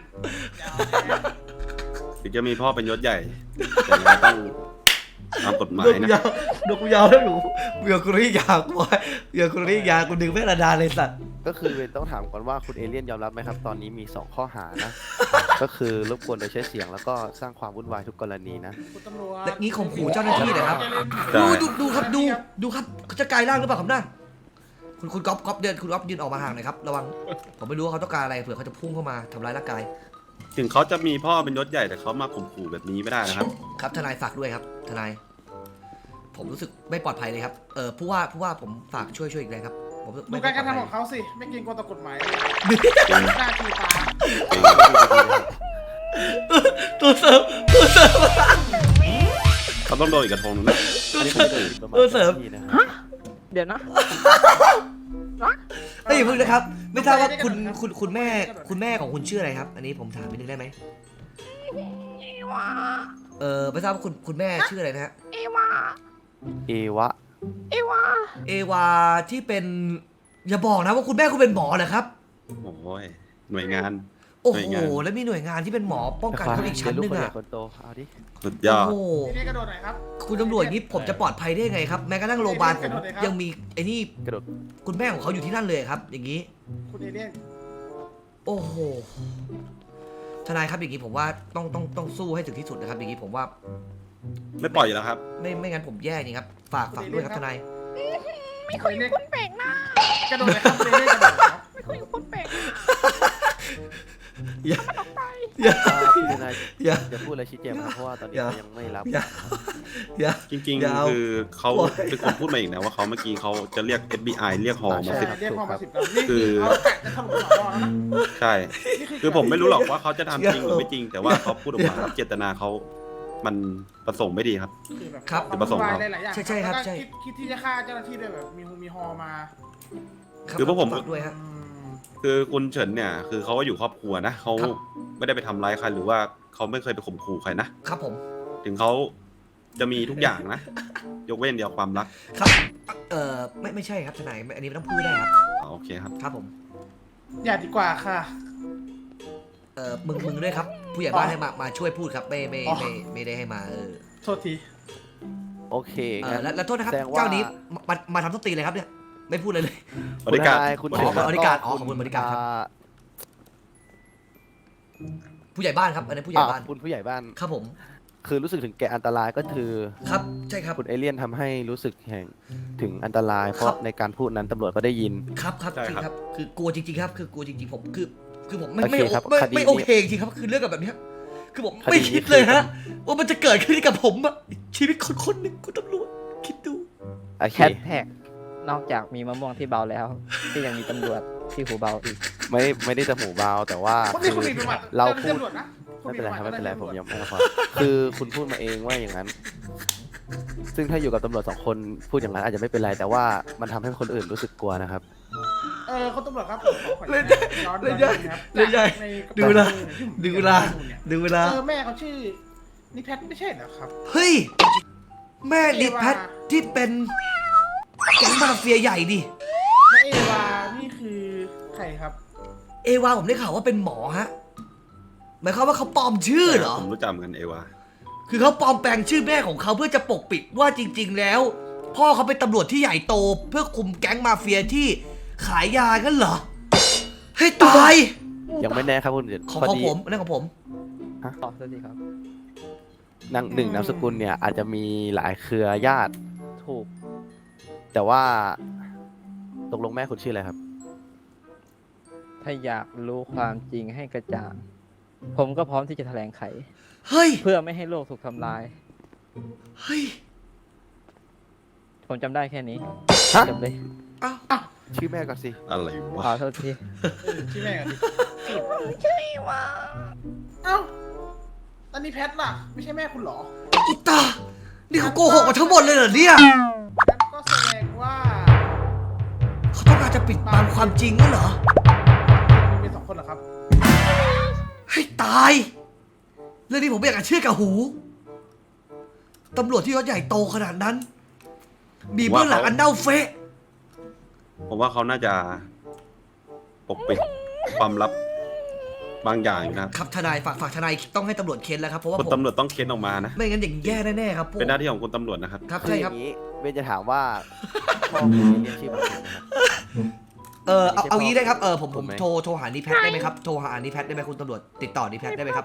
[SPEAKER 3] ถึงจะมีพ่อเป็นยศใหญ่ แต่เราต้องตามกฎหมายนะ
[SPEAKER 1] ดูกูยาวแล้วอยู่เบื่อกูรียาวกูเบื่อกูรียาวกูดึงไม่ระดาเลยสัตว์
[SPEAKER 5] ก็คือต้องถามก่อนว่าคุณเอเลี่ยนยอมรับไหมครับ ตอนนี้มี 2 ข้อหานะ ก็คือรบกวนโดยใช้เสียง แล้วก็สร้างความวุ่นวายทุกกรณีนะ
[SPEAKER 2] คุณตำรวจ
[SPEAKER 1] และนี้ข่มขู่เจ้าหน้าที่นะครับ
[SPEAKER 3] ใช่
[SPEAKER 1] ดูครับดูครับเขาจะกลายร่างหรือเปล่าครับน่าคุณก๊อฟเดินคุณก๊อฟยืนออกมาห่างหน่อยครับระวังผมไม่รู้ว่าเขาต้องการอะไรเผื่อเขาจะพุ่งเข้ามาทำร้ายร่างกาย
[SPEAKER 3] ถึงเขาจะมีพ่อเป็นยศใหญ่แต่เขามาข่มขู่แบบนี้ไม่ได้นะครับ
[SPEAKER 1] ครับทนายฝากด้วยครับทนายผมรู้สึกไม่ปลอดภัยเลยครับผู้ว่าผมฝากช่วยอีกเลยครับผมรู้สึก
[SPEAKER 2] ดู
[SPEAKER 1] ไม่ปล
[SPEAKER 2] กา
[SPEAKER 1] อ
[SPEAKER 2] ร
[SPEAKER 1] ด
[SPEAKER 2] กระ
[SPEAKER 1] ภัย
[SPEAKER 2] ทำของเขาสิ ไม่เกรงกลัวต่อกฎหมายหน้าชูตา
[SPEAKER 1] ตัวเสริม
[SPEAKER 3] เขาต้องโดนอีกกระทงหนึงนะ
[SPEAKER 5] อันนี้ผมจะอยู่ประมาณ
[SPEAKER 1] เสริม
[SPEAKER 5] ที่นะครับ
[SPEAKER 6] เดี๋ยวนะ
[SPEAKER 1] เอ้ยอย่าเพิ่งนะครับ ไม่ทราบว่าคุณแม่ของคุณชื่ออะไรครับ อันนี้ผมถามนิดนึงได้ไหมไม่ทราบว่าคุณแม่ชื่ออะไรนะฮะ
[SPEAKER 5] เอวะ
[SPEAKER 1] เอวาที่เป็นอย่าบอกนะว่าคุณแม่คุณเป็นหมอเหรอครับ
[SPEAKER 3] โอ้ยหน่วยงาน
[SPEAKER 1] โอ้
[SPEAKER 3] หน่วย
[SPEAKER 1] โห
[SPEAKER 3] งาน
[SPEAKER 1] แล้วมีหน่วยงานที่เป็นหมอป้องกันเขาอีกชั้นหนึง
[SPEAKER 5] เป็ลูกคนใหญ่
[SPEAKER 1] อ่ะ
[SPEAKER 5] คนโต เอาดิ
[SPEAKER 3] สุดยอ
[SPEAKER 1] โอ้
[SPEAKER 3] ด
[SPEAKER 1] โห
[SPEAKER 2] ทีนี้กระโดดหน่อยครับ
[SPEAKER 1] คุณตำรวจนี้ผมจะปลอดภัยได้ยังไงครับแม้กระทั่งโรงพยาบาลผมยังมีไอ้นี่
[SPEAKER 5] กระโดด
[SPEAKER 1] คุณแม่ของเขาอยู่ที่นั่นเลยครับ อย่างนี้
[SPEAKER 2] คุณเอเลียน
[SPEAKER 1] โอ้โหทนายครับอย่างนี้ผมว่าต้องสู้ให้ถึงที่สุดนะครับ อย่างนี้ผมว่า
[SPEAKER 3] ไม่ปล่อยอยู่แล้วครับ
[SPEAKER 1] ไม่งั้นผมแย่จริงครับฝากด้วยครับทนาย
[SPEAKER 2] ไม่คุยคนแปลกหน้ากระโดดเลยครับคุณเอเลียนกระโดดครับ
[SPEAKER 1] อย่า
[SPEAKER 5] พี่ทนาย
[SPEAKER 1] อย่า
[SPEAKER 5] จะพูดอะไรชี้แจงนะครับเพราะว่าตอนนี้
[SPEAKER 1] อย่า
[SPEAKER 5] เขายังไม่รับ
[SPEAKER 1] อย่า
[SPEAKER 3] จริง
[SPEAKER 1] อย่าเอา
[SPEAKER 3] ๆ คือเขา
[SPEAKER 1] โอ้ย
[SPEAKER 3] เป็นคนพูดมาอีกนะว่าเขาเมื่อกี้เขาจะเรียก FBI เรียกฮอมา
[SPEAKER 5] ใช่
[SPEAKER 3] สิบ
[SPEAKER 2] เรียกพ่อมา10แล้วนี่คือเขาแกะจะทำหัวรอแล้วนะ
[SPEAKER 3] ใช่
[SPEAKER 2] นี่
[SPEAKER 3] คือผมไม่รู้หรอกว่าเขาจะทำจริงหรือไม่จริง แต่ว่าเขาพูดออกมาเจตนาเขามันประสงค์ไม่ดีครับ
[SPEAKER 2] คือแบบ
[SPEAKER 1] ครับ
[SPEAKER 2] ความวุ่นวายหลายๆอย่าง
[SPEAKER 1] ใช่ครับ
[SPEAKER 2] แล้วก็
[SPEAKER 1] ใช่
[SPEAKER 2] คิดที่จะฆ่าเจ้าหน้าที่ด้วยแบบมีฮอมา
[SPEAKER 3] คือพวกผม
[SPEAKER 1] ฝากด้วยฮะ
[SPEAKER 3] คือคุณเฉินเนี่ย คือเขาก็อยู่ครอบครัวนะเขา
[SPEAKER 1] ครับ
[SPEAKER 3] ไม่ได้ไปทำร้ายใครหรือว่าเขาไม่เคยไปข่มขู่ใครนะ
[SPEAKER 1] ครับผม
[SPEAKER 3] ถึงเขาจะมีทุกอย่างนะ ยกเว้นเดียวความรัก
[SPEAKER 1] ครับไม่ใช่ครับทนายอันนี้ไม่ต้องพูดได้ครับ
[SPEAKER 3] อ๋อโอเคครับ
[SPEAKER 1] ครับผม
[SPEAKER 2] อย่าดีกว่าค่ะ
[SPEAKER 1] มึงด้วยครับ ผู้ใหญ่บ้านให้มาช่วยพูดครับไม่ได้ให้มา
[SPEAKER 2] โทษที
[SPEAKER 5] โอเคงั้น
[SPEAKER 1] แล้วโทษนะครับ
[SPEAKER 5] แสดงว่า
[SPEAKER 1] เจ้านี้มาทำต้นตีเลยครับเนี่ยไม่พูดเลย
[SPEAKER 3] บริการ
[SPEAKER 5] คุณ
[SPEAKER 3] บ
[SPEAKER 5] ท
[SPEAKER 3] ริ
[SPEAKER 5] นาย
[SPEAKER 3] การ
[SPEAKER 1] บริการอ๋อขอบคุณบริการครับ ผู้ใหญ่บ้านครับอันนี้ผู้ใหญ่บ้าน
[SPEAKER 5] คุณผู้ใหญ่บ้าน
[SPEAKER 1] ครับผม
[SPEAKER 5] คือรู้สึกถึงแก่อันตรายก็คือ
[SPEAKER 1] ครับใช่ครับ
[SPEAKER 5] คุณเอเลี่ยนทำให้รู้สึกถึงอันตราย เพ
[SPEAKER 1] ครั
[SPEAKER 5] ราะ
[SPEAKER 1] บ
[SPEAKER 5] ในการพูดนั้นตำรวจก็ได้ยิน
[SPEAKER 1] ครับจริงครับคือกลัวจริงๆครับคือกลัวจริงๆผมคือผมไม่
[SPEAKER 5] โอเคครับ
[SPEAKER 1] ไม่
[SPEAKER 5] คดีนี้
[SPEAKER 1] ไม่โอเคจริงครับคือเรื่องแบบนี้คือผม
[SPEAKER 5] คดี
[SPEAKER 1] ไม่
[SPEAKER 5] นี้
[SPEAKER 1] คิดเลยฮะว่ามันจะเกิดขึ้นกับผมอะชีวิตคนหนึ่งคุณตำรวจคิดดู
[SPEAKER 5] โอเค
[SPEAKER 6] แฮชแท็กนอกจากมีมะม่วงที่เบาแล้วที่ยังมีตำรวจที่หูเบาอีก
[SPEAKER 5] ไม่ได้จะหูเบาแต่ว่า
[SPEAKER 2] คนนี้คุณมีประวัติ
[SPEAKER 5] เราพูด
[SPEAKER 2] ตำรวจนะคุณ
[SPEAKER 5] ไม่เป็นไรครับไม่เป็นไร
[SPEAKER 2] ปะ
[SPEAKER 5] ผม
[SPEAKER 2] วัติ
[SPEAKER 5] ยังไม่พอคือคุณพูดมาเองว่าอย่างนั้น ซึ่งถ้าอยู่กับตำรวจ2 คนพูดอย่างนั้นอาจจะไม่เป็นไร แต่ว่ามันทำให้คนอื่นรู้สึกกลัวนะครับ
[SPEAKER 2] คุณตำรวจครับผมขออนุญาตย้อน
[SPEAKER 1] เล่น
[SPEAKER 2] นิ
[SPEAKER 1] ใหญ่
[SPEAKER 2] ดนึงครับ
[SPEAKER 1] เล่นใหญ่
[SPEAKER 2] ในกระ
[SPEAKER 1] ดู
[SPEAKER 2] เป๋า
[SPEAKER 1] นะ
[SPEAKER 2] ที่ผม
[SPEAKER 1] ดูเวลา
[SPEAKER 2] เก็บข้อมูลเนี่ย
[SPEAKER 1] ดูเวลา
[SPEAKER 2] แม่เขาชื่อนิแพทไม่ใช่เหรอครับ
[SPEAKER 1] เฮ้ย แม่ดิแพทที่เป็นแก๊งมาเฟียใหญ่ดิ
[SPEAKER 2] และเอวานี่คือใครครับ
[SPEAKER 1] เอวาผมได้ข่าวว่าเป็นหมอฮะหมายความว่าเขาปลอมชื่อเหรอ
[SPEAKER 3] ผมรู้จักเหมือนกันเอวา
[SPEAKER 1] คือเขาปลอมแปลงชื่อแม่ของเขาเพื่อจะปกปิดว่าจริง ๆ แล้ว พ่อเขาเป็นตำรวจที่ใหญ่โตเพื่อคุมแก๊งมาเฟียที่ขายยากันเหรอให้ตาย
[SPEAKER 5] ยังไม่แน่ครับคุณเดช
[SPEAKER 1] ของ
[SPEAKER 5] พอ
[SPEAKER 1] ของ
[SPEAKER 5] ดี
[SPEAKER 1] ผมนั่นของผม
[SPEAKER 6] ต่อสักทีครับ
[SPEAKER 5] นามสกุลเนี่ยอาจจะมีหลายเครือญาติ
[SPEAKER 6] ถูก
[SPEAKER 5] แต่ว่าตกลงแม่คุณชื่ออะไรครับ
[SPEAKER 6] ถ้าอยากรู้ความจริงให้กระจ่าง ผมก็พร้อมที่จะแถลงไข
[SPEAKER 1] เฮ้ย
[SPEAKER 6] เพื่อไม่ให้โลกถูกทำลาย
[SPEAKER 1] เฮ้ย
[SPEAKER 6] ผมจำได้แค่นี้
[SPEAKER 5] ฮะ
[SPEAKER 6] จำเลย
[SPEAKER 1] เอ้า
[SPEAKER 5] ชื่อแม่ก่อนสิ
[SPEAKER 3] อะไร
[SPEAKER 6] ข
[SPEAKER 3] วะ
[SPEAKER 6] อโทษที
[SPEAKER 2] ชื่อแม่กันดิเอ้าอันนี้แพทล่ะ ไม่ใช่แม่คุณเหรอ
[SPEAKER 1] อุยตานี่เขาโกหกมาทั้งหมดเลยเหรอเนี่ย
[SPEAKER 2] งั้นก็แสดงว่า
[SPEAKER 1] เขาต้องการจะปิดบังความจริงนั่นเหรอ
[SPEAKER 2] มีเป็น2 คนเหรอครับ
[SPEAKER 1] ให้ตาย เรื่องนี้ผมไม่อยากจะเชื่อกับหู ตำรวจที่ยศใหญ่โตขนาดนั้น มีเบื้องหลังอันเน่าเฟะ
[SPEAKER 3] ผมว่าเขาน่าจะปกปิดความลับบางอย่างอยู่นะครับ
[SPEAKER 1] ครับทนายฝากทนายต้องให้ตำรวจเค้นแล้วครับเพราะว่า
[SPEAKER 3] คุณ
[SPEAKER 1] ผม
[SPEAKER 3] ตำรวจต้องเค้นออกมานะ
[SPEAKER 1] ไม่งั้นอย่างแย่แน่ๆครับพวก
[SPEAKER 3] เป็นหน้าที่ของคุณตำรวจนะครับ
[SPEAKER 1] ครับ
[SPEAKER 5] คือ
[SPEAKER 1] ใช่
[SPEAKER 5] อ
[SPEAKER 1] ครับ
[SPEAKER 5] ย่างนี้เบนจะถามว่าพ่อคุณเรียนชื่อมันถูกไหมครับ
[SPEAKER 1] เอางี้ได้ครับผม
[SPEAKER 5] ถูกไหม
[SPEAKER 1] โทรหานิแพทได้ไหมครับโทรหานิแพทได้ไหมคุณตำรวจติดต่อนิแพทได้ไหมครับ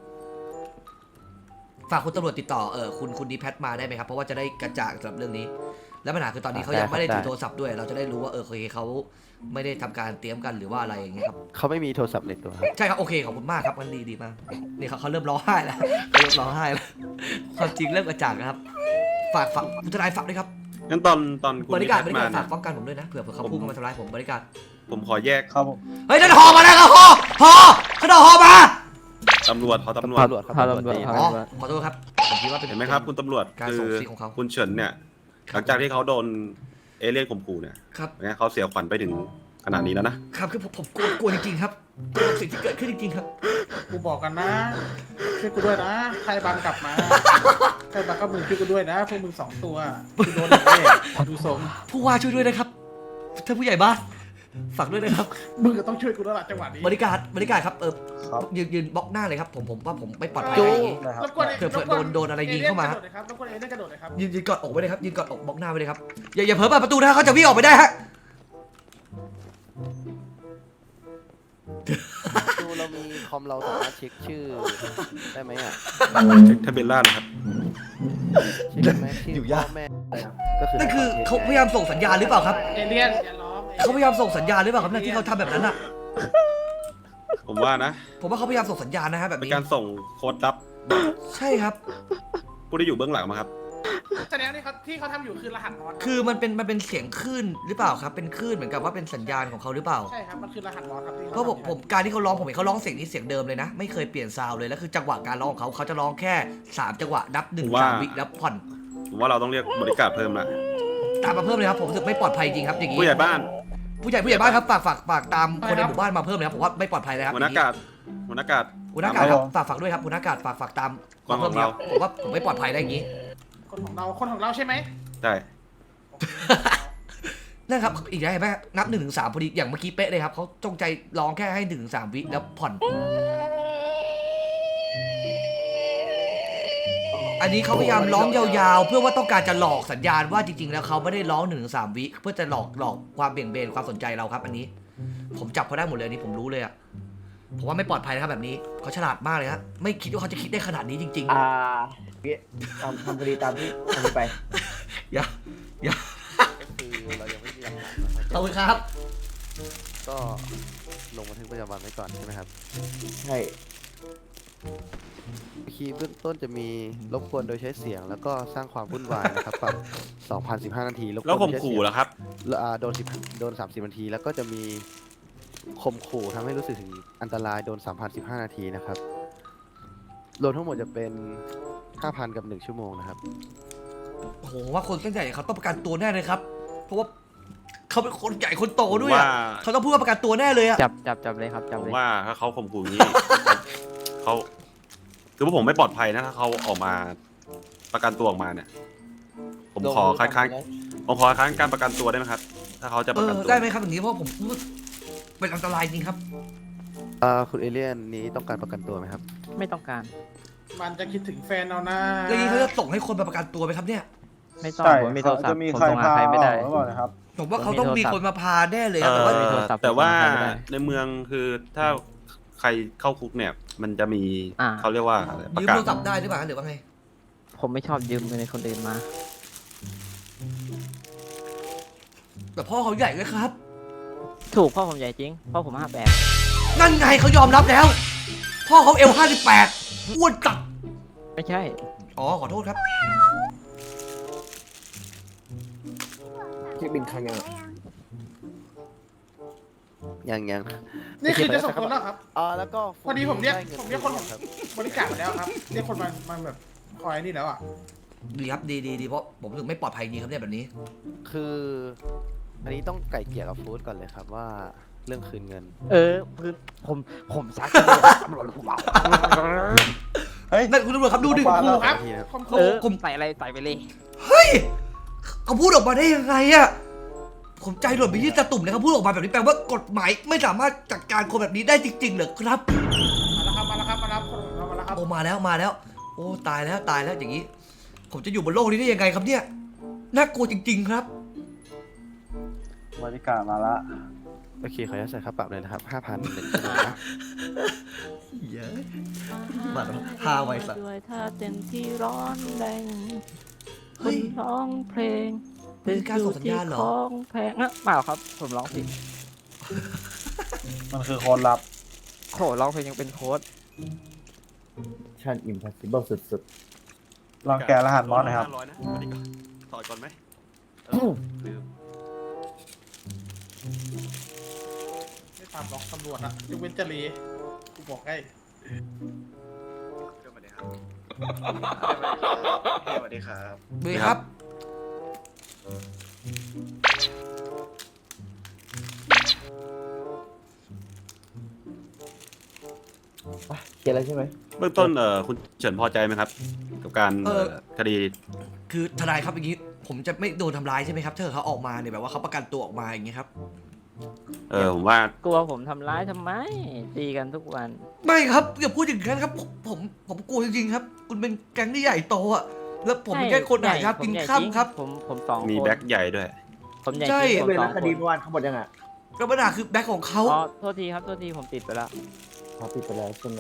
[SPEAKER 1] ฝากคุณตำรวจติดต่อคุณนิแพทมาได้ไหมครับเพราะว่าจะได้กระจ่างสำหรับเรื่องนี้ แล้วปัญหาคือตอนนี้เขายังไม่ได้ถือโทรศัพท์ด้วย เราจะได้รู้ว่าโอเคเขาไม่ได้ทำการเตรียมกันหรือว่าอะไรอย่างเงี้ยครับ
[SPEAKER 5] เขาไม่มีโทรศัพท์ในตัวครับ
[SPEAKER 1] ใช่ครับโอเคขอบคุณมากครับมันดีมากนี่เขาเริ่มร้องไห้แล้วเริ่มร้องไห้แล้วความจริงเริ่มกระจ่างนะครับฝากคุณทนายฝากด้วยครับ
[SPEAKER 3] งั้นตอนคุณ
[SPEAKER 1] บริการ
[SPEAKER 3] นิพัฒน์มา
[SPEAKER 1] ฝา
[SPEAKER 3] เนี่
[SPEAKER 1] ก
[SPEAKER 3] ย
[SPEAKER 1] ป้องกันผมด้วยนะเผื่อเขาพุ่งเข้ามาทำร้ายผมบริการ
[SPEAKER 3] ผมขอแยก
[SPEAKER 4] ครับผม
[SPEAKER 1] เฮ้ยนั่นหอมาแล้วครับหอขนมหอมา
[SPEAKER 3] ตำรวจขอตำรวจ
[SPEAKER 5] ตำรวจครับ
[SPEAKER 6] พา
[SPEAKER 5] ตำรวจ
[SPEAKER 6] ตำรวจ
[SPEAKER 5] ดี
[SPEAKER 6] พา
[SPEAKER 1] อ๋อขอโทษครับผมคิดว่าเป็น
[SPEAKER 3] เห็นไหมครับคุณตำรวจ
[SPEAKER 1] การ
[SPEAKER 3] คื
[SPEAKER 1] ส่ง
[SPEAKER 3] อ
[SPEAKER 1] ซิกของเขา
[SPEAKER 3] คุณเฉินเนี่ย หลังจากที่เขาโดนเอเลี่ยนข่มขู่เนี่ย
[SPEAKER 1] ครับ
[SPEAKER 3] เนี่ยเขาเสียขวัญไปถึงขนาดนี้แล้วนะ
[SPEAKER 1] ครับคือผมกลัวจริงๆครับกลัวกับสิ่งที่เกิดขึ้นจริงๆครับ
[SPEAKER 2] กูบอกกันนะช่วยกูด้วยนะ ใครบังกลับมา ใครบังก็มึงช่วยกูด้วยนะ พวกมึง2 ตัวกูโดนแน่ดูทรง
[SPEAKER 1] ผู้ว่าช่วยด้วยนะครับท่านผู้ใหญ่บ้านฝากด้วยนะครับ
[SPEAKER 2] มึงก็ต้องช่วยกูแล้วล่ะจังหวะนี้
[SPEAKER 1] บริการครับยืนบล็อกหน้าเลยครับผมว่าผมไม่ปลอดภัย
[SPEAKER 2] จู
[SPEAKER 1] อย่างนี้
[SPEAKER 2] รบกวน
[SPEAKER 1] เผื่อโดนอะไรยิงเข้ามา
[SPEAKER 2] รบกวนเอเลี่ยนกระโดดเลยครับ
[SPEAKER 1] ยืนกอดอกไว้เลยครับยืนกอดอกบล็อกหน้าไว้เลยครับอย่าเผลอเปิดประตูนะเขาจะวิ่งออกไปได้ฮะ
[SPEAKER 5] ดูเรามีคอมเราสามารถเช็คชื่อได้ไหมอ่ะ
[SPEAKER 3] เช็คทะเบียนราษฎร์นะครับ
[SPEAKER 5] เช็คได้ไหมชื่อพ่อแม่อะไรก็คือ
[SPEAKER 1] นั่นคือเขาพยายามส่งสัญญาณหรือเปล่าครับ
[SPEAKER 2] เอเลี่ยนอย่าร้อง
[SPEAKER 1] เขาพยายามส่งสัญญาณหรือเปล่าครับเนี่ยที่เขาทำแบบนั้นอ่ะ
[SPEAKER 3] ผมว่านะ
[SPEAKER 1] ผมว่าเขาพยายามส่งสัญญาณนะฮะแบบ
[SPEAKER 3] เป็น
[SPEAKER 1] นี้
[SPEAKER 3] การส่งโค้ดลับ
[SPEAKER 1] ใช่ครับ
[SPEAKER 3] ผู้ที่อยู่เบื้องหลังมาครับ
[SPEAKER 2] แสดงว่าที่เขาทำอยู่คือรหัสมอส
[SPEAKER 1] คือมันเป็นเสียงคลื่นหรือเปล่าครับเป็นคลื่นเหมือนกับว่าเป็นสัญญาณของเขาหรือเปล่า
[SPEAKER 2] ใช่ครับ มันคือรหัสมอสครับที่
[SPEAKER 1] เพราะผมการที่เขาร้องผมเห็นเขาร้องเสียงนี้เสียงเดิมเลยนะ ไม่เคยเปลี่ยนซาวด์เลยแล้วคือจังหวะการร้องของเขาจะร้องแค่3จังหวะนับ1
[SPEAKER 3] ว่า
[SPEAKER 1] 3 วิแล้วผ่อน
[SPEAKER 3] ผมว่าเราต้องเรียกบริการเพิ่มละ
[SPEAKER 1] ตามมาเพิ่มเลยครับผมรู้สึกไม่ปลอดภัยจริงครับอย่างนี้
[SPEAKER 3] ผู้ใหญ่บ้าน
[SPEAKER 1] ผู้ใหญ่บ้านครับฝากตามคนในหมู่บ้านมาเพิ่มเลยครับผมว่าไม่ปลอดภัยเลยครับ
[SPEAKER 3] หัวหน้ากาดหัวหน้ากาด
[SPEAKER 1] หัวหน้ากาศครับฝากด้วยครับหัวหน้ากาศฝากตามมาเพิ่มเลยครับผมว่าผมไม่ปลอดภัยได้อย่างนี้
[SPEAKER 2] คนของเราใช่ไหม
[SPEAKER 3] ใช่
[SPEAKER 1] นั่นครับอีกแล้วเห็นไหมนับ1 ถึง 3พอดีอย่างเมื่อกี้เป๊ะเลยครับเขาจงใจร้องแค่ให้1 ถึง 3 วิแล้วผ่อน อันนี้เขาพยายามร้องยาวๆ เพื่อว่าต้องการจะหลอกสัญญาณว่าจริงๆแล้วเขาไม่ได้ร้อง1 ถึง 3 วิเพื่อจะหลอกความเบี่ยงเบนความสนใจเราครับ อันนี้ ผมจับเขาได้หมดเลยอันนี้ผมรู้เลยอะผมว่าไม่ปลอดภัยนะครับแบบนี้เขาฉลาดมากเลยครับไม่คิดว่าเขาจะคิดได้ขนาดนี้จริง
[SPEAKER 6] ทำคดีตามที่ทำไป
[SPEAKER 1] ๆอย่า
[SPEAKER 5] ก็คือเรายังไม่มีหลักฐาน
[SPEAKER 1] ขอบคุณครับ
[SPEAKER 5] ก็ลงบันทึกประจำวันไว้ก่อนใช่ไหมครับ
[SPEAKER 6] ใช่
[SPEAKER 5] คีย์เบื้องต้นจะมีรบกวนโดยใช้เสียง แล้วก็สร้างความวุ่นวายนะครับปรับ2,015 นาทีรบกวน
[SPEAKER 3] แล้วข่ม
[SPEAKER 5] โดยใช้
[SPEAKER 3] ขู่
[SPEAKER 5] เสียง
[SPEAKER 3] แล้วครับ
[SPEAKER 5] โดน30 นาที แล้วก็จะมีข่มขู่ทำให้รู้สึกถึงอันตรายโดน 3,015 นาทีนะครับ รวมทั้งหมดจะเป็น 5,000 กับ 1 ชั่วโมงนะครับ
[SPEAKER 1] โอ้โหว่าคนเส้นใหญ่เขาต้องประกันตัวแน่เลยครับ เพราะว่าเขาเป็นคนใหญ่คนโตด้วยอะ
[SPEAKER 3] ว่า
[SPEAKER 1] เขาต้องพูดว่าประกันตัวแน่เลยอะ
[SPEAKER 6] จับเลยครับจับ
[SPEAKER 3] ผม
[SPEAKER 6] เลย
[SPEAKER 3] ว่าถ้าเขาข่มขู่อย่างนี้ เขาคือว่าผมไม่ปลอดภัยนะถ้าเขาออกมาประกันตัวออกมาเนี่ย ผมขอคัดค้านการประกันตัวได้ไหมครับ ถ้าเขาจะประกันตัว
[SPEAKER 1] ได้ไหมครับอย่างนี้เพราะผมพูดเป็นอันตรายจริงครับ
[SPEAKER 5] คุณเอเลี่ยนนี้ต้องการประกันตัวไหมครับ
[SPEAKER 6] ไม่ต้องการ
[SPEAKER 2] มันจะคิดถึงแฟนเอานะ
[SPEAKER 1] แล้วนี้เขาจะส่งให้คนมาประกันตัวไหมครับเนี่ย
[SPEAKER 6] ไม่ต้องผมมีโทรศัพท์ผมส่งหาใครไม่ได้
[SPEAKER 1] ผมว่าเขาต้องมีคนมาพาแน่เลยครับ
[SPEAKER 3] เอ่
[SPEAKER 1] แต่ว่า
[SPEAKER 6] มีโทรศัพท์
[SPEAKER 3] แต่ว่า
[SPEAKER 6] ผมทำไม่ได้
[SPEAKER 3] ในเมืองคือถ้าใครเข้าคุกเนี่ย มันจะมี
[SPEAKER 6] อ่า
[SPEAKER 3] เขาเรียกว่าอะไรประ
[SPEAKER 1] ยืม
[SPEAKER 3] กาศ
[SPEAKER 1] โทรศัพท์ได้หรือเปล่าหรือว่าไง
[SPEAKER 6] ผมไม่ชอบยืมเงินในคนอื่นมา
[SPEAKER 1] แต่พ่อเขาใหญ่เลยครับ
[SPEAKER 6] ถูกพ่อผมใหญ่จริงพ่อผม58
[SPEAKER 1] นั่นไงเขายอมรับแล้ว พ่อเขา58อ้วนจัด
[SPEAKER 6] ไม่ใช่
[SPEAKER 1] อ๋อขอโทษครับ
[SPEAKER 8] เช็คบินครั้งยัง
[SPEAKER 5] ยัง
[SPEAKER 2] นี่คือจะส่งคนแล้วครับ
[SPEAKER 5] แล้วก็
[SPEAKER 2] พอดีผมเรียก
[SPEAKER 5] ได้งิน
[SPEAKER 2] ผมเรียกคนของ
[SPEAKER 5] ครับ
[SPEAKER 2] บริการมาแล้วครับเรียกคนมาแบบคอยนี่แล้วอ่ะ
[SPEAKER 1] ดีครับดีเพราะผมรู้สึกไม่ปลอดภัยจริงครับเนี่ยแบบนี้
[SPEAKER 5] คืออันนี้ต้องไก่เกลี่ยกับฟู้ดก่อนเลยครับว่าเรื่องคืนเงิน
[SPEAKER 6] คือผมซัก
[SPEAKER 1] นั่นคุณตำรวจครับดูดิ
[SPEAKER 2] ครูครับ
[SPEAKER 5] ทีนะครับ
[SPEAKER 2] ครู
[SPEAKER 1] ผม
[SPEAKER 6] ใส่อะไรใส่ไปเลย
[SPEAKER 1] เฮ้ยเขาพูดออกมาได้ยังไงอะผมใจหล่นไปที่ตะตุ่มเลยเขาพูดออกมาแบบนี้แปลว่ากฎหมายไม่สามารถจัดการคนแบบนี้ได้จริงๆเหรอครับ
[SPEAKER 2] มาแล้วครับมาแล้วคนของเรามาแล้วครับ
[SPEAKER 1] โอ้มาแล้ว โอ้ตายแล้วอย่างนี้ ผมจะอยู่บนโลกนี้ได้ยังไงครับเนี่ยน่ากลัวจริง ๆ ครับ
[SPEAKER 8] บริการมาละ
[SPEAKER 5] โอเคขออนุญาตใส่ค่าปรับเลยนะครับ 5,000 1 ชั่วโมงนะ
[SPEAKER 1] เยอะมาแล้วฮาไว้สัตว์
[SPEAKER 6] ด้วยท่าเต้นที่ร้อนแรง
[SPEAKER 1] เฮ้ย
[SPEAKER 6] ร้องเพลง
[SPEAKER 1] นี่คือการส่งสัญญาณเหรอ
[SPEAKER 6] ของแพงอะเปล่าครับ ผมร้องผิด
[SPEAKER 8] มันคือคนรับ
[SPEAKER 6] โหร้องเพลงยังเป็นโค้ด
[SPEAKER 8] ชั่นอิมพอสิเบิลสุดๆ ลองแกะรหัสมอสหนะครับ
[SPEAKER 3] 500นะอันนี้ก่อนถอดก่อนไหมลืม
[SPEAKER 2] ไม่ตามหรอกตำรวจอะยกเว้นจรีกูบอกให้
[SPEAKER 8] สวัสดีครับสวัสดีครับ
[SPEAKER 1] ดีครับ
[SPEAKER 8] เขียนแล้วใช่ไหม
[SPEAKER 3] เบื้องต้นคุณเฉินพอใจไหมครับ กับการคดี
[SPEAKER 1] คือทนายครับอย่างนี้ ผมจะไม่โดนทำร้ายใช่ไหมครับถ้าเกิดเขาออกมาเนี่ยแบบว่าเขาประกันตัวออกมาอย่างเงี้ยครับ
[SPEAKER 3] ผมว่า
[SPEAKER 6] กลัวผมทำร้ายทำไม ตีกันทุกวัน
[SPEAKER 1] ไม่ครับอย่าพูดอย่างนั้นครับผมกลัวจริงๆครับ คุณเป็นแก๊งที่ใหญ่โตอะแล้วผมเป็นแค่คนหายครับกินข้ามครับ
[SPEAKER 6] ผมสองคน
[SPEAKER 3] มีแบ็คใหญ่ด้วย
[SPEAKER 6] ผมใหญ่
[SPEAKER 1] ใช่
[SPEAKER 6] จริงผม
[SPEAKER 8] เป็น
[SPEAKER 6] สอ
[SPEAKER 8] รั
[SPEAKER 6] ง
[SPEAKER 8] ค
[SPEAKER 6] คน
[SPEAKER 8] ดีเมื่อวานเขาหมดยังอ่ะ
[SPEAKER 1] ก็ปัญหาคือแบ็คของเขา
[SPEAKER 6] อ๋อโทษทีครับโทษทีผมติดไปแล้ว
[SPEAKER 8] พอปิดไปแล้วใช่ไหม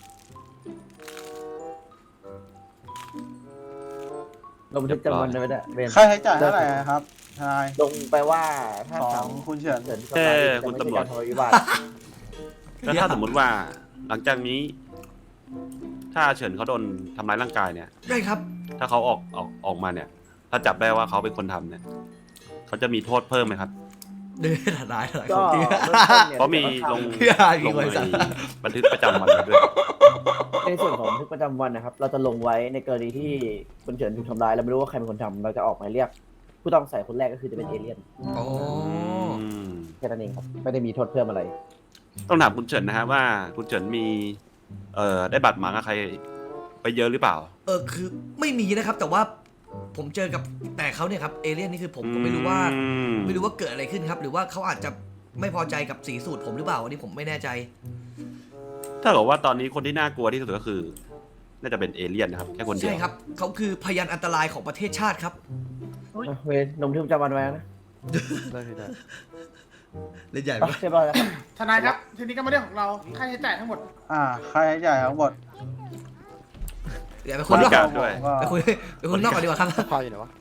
[SPEAKER 8] ลงบันทึกจำวันได้ไหมเนี่ยเบน
[SPEAKER 9] ค่าใช้จ่ายเท่าไหร่ครับทนาย
[SPEAKER 8] ลงไปว่าถ้า
[SPEAKER 9] ขอ
[SPEAKER 8] ท
[SPEAKER 9] งคุณเฉิน
[SPEAKER 8] ำเฉิน
[SPEAKER 3] คุณตำรวจ
[SPEAKER 8] ทะเลาะวิวาท
[SPEAKER 3] แล้วถ้าสมมุติว่าหลังจากนี้ ถ้าเฉินเขาโดนทำร้ายร่างกายเนี่ย
[SPEAKER 1] ได้ครับ
[SPEAKER 3] ถ้าเขาออกมาเนี่ย ถ้าจับได้ว่าเขาเป็นคนทำเนี่ยเขาจะมีโทษเพิ่มไหมครับ
[SPEAKER 1] เดินทนาย
[SPEAKER 8] ก็
[SPEAKER 1] ของจริง
[SPEAKER 8] เบื้องต้นนี่ย
[SPEAKER 3] เพราะมีลง
[SPEAKER 1] พี่อาร์
[SPEAKER 3] ล
[SPEAKER 1] ยิง
[SPEAKER 3] ง
[SPEAKER 1] ไว้
[SPEAKER 3] ใน
[SPEAKER 1] สัตว์
[SPEAKER 3] บันทึกประจำวันไว้ด้วย
[SPEAKER 8] ในส่วนของบันทึกประจำวันนะครับ เราจะลงไว้ในกรณีที่คุณเฉินถูกทำร้ายเราไม่รู้ว่าใครเป็นคนทำเราจะออกหมายเรียก ผู้ต้องสงสัยคนแรกก็คือจะเป็นเอเลี่ยน
[SPEAKER 1] อ๋อ
[SPEAKER 3] ม
[SPEAKER 8] แค่นั้นเองครับไม่ได้มีโทษเพิ่มอะไร
[SPEAKER 3] ต้องถามคุณเฉินนะฮะว่าคุณเฉินมีได้บัตรหมางกับใครไปเยอะหรือเปล่า
[SPEAKER 1] คือไม่มีนะครับ แต่ว่าผมเจอกับแต่เขาเนี่ยครับเอเลี่ยนนี่คือผมก็ไม่รู้ว่า ไม่รู้ว่าเกิดอะไรขึ้นครับ หรือว่าเขาอาจจะไม่พอใจกับสีสูตรผมหรือเปล่าอันนี้ผมไม่แน่ใจ
[SPEAKER 3] ถ้าเกิดว่าตอนนี้คนที่น่ากลัวที่สุดก็คือ น่าจะเป็นเอเลี่ยนนะครับแค่คนเดียว
[SPEAKER 1] ใช่ครับเขาคือพยานอันตรายของประเทศชาติครับ
[SPEAKER 8] เวนลงบันทึกประจำวันไว้นะ
[SPEAKER 5] ได้ได้
[SPEAKER 1] เล่นใหญ่
[SPEAKER 8] อ่ะ
[SPEAKER 1] ปะ
[SPEAKER 8] เรียบร้อยแล้วครับ
[SPEAKER 2] ทนายครับ ทีนี้ก็มาเรื่องของเรา ค่าใช้จ่ายทั้งหมด
[SPEAKER 9] ค่าใช้จ่ายทั้งหมด
[SPEAKER 1] เดี๋ยวไป
[SPEAKER 3] บ
[SPEAKER 1] คุยน
[SPEAKER 3] ริ
[SPEAKER 1] อก
[SPEAKER 3] การด้วย
[SPEAKER 1] ไปคุยนอกกันดีกว่าครับ
[SPEAKER 5] พออยู่ไหนวะ